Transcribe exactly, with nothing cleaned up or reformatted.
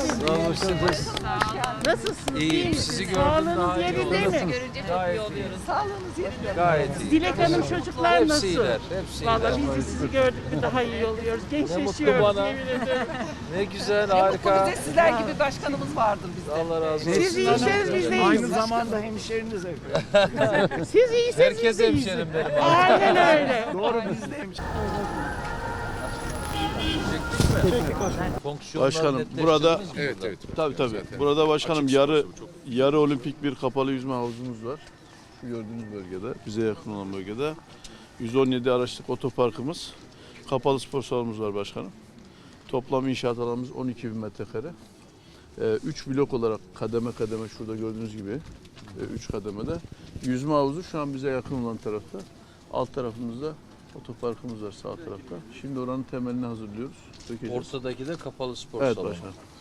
Nasılsınız? Nasılsınız? İyiyim. Sizi gördüm daha Sağlığınız iyi yerinde oldu. mi? Görünce çok Gayet iyi oluyoruz. Sağlığınız yerinde. Gayet iyi. Dilek Hanım çocuklar Hepsi nasıl? iyiler, hepsi Vallahi iyiler. biz de sizi gördük mü daha iyi oluyoruz. Ne mutlu Gençleşiyoruz bana. yemin ederim. Ne güzel, Ne mutlu harika. bize sizler gibi başkanımız vardır bizde. Allah razı olsun. Siz iyiyseniz biz de Aynı iyiyiz. zamanda hemşeriniz efendim. Siz iyiyseniz biz Herkes de iyiyiz. hemşerim benim. Aynen öyle. Doğru biz de hemşer. Fonksiyonlar Başkanım netleştirdiniz burada mi evet burada? evet tabii tabii. Burada başkanım yarı yarı olimpik bir kapalı yüzme havuzumuz var. Şu gördüğünüz bölgede, bize yakın olan bölgede yüz on yedi araçlık otoparkımız, kapalı spor salonumuz var başkanım. Toplam inşaat alanımız on iki bin metrekare. üç blok olarak kademe kademe şurada gördüğünüz gibi üç kademede. Yüzme havuzu şu an bize yakın olan tarafta. Alt tarafımızda otoparkımız var sağ tarafta. Şimdi oranın temelini hazırlıyoruz. Dökeceğiz. Ortadaki de kapalı spor Evet salonu. başkanım.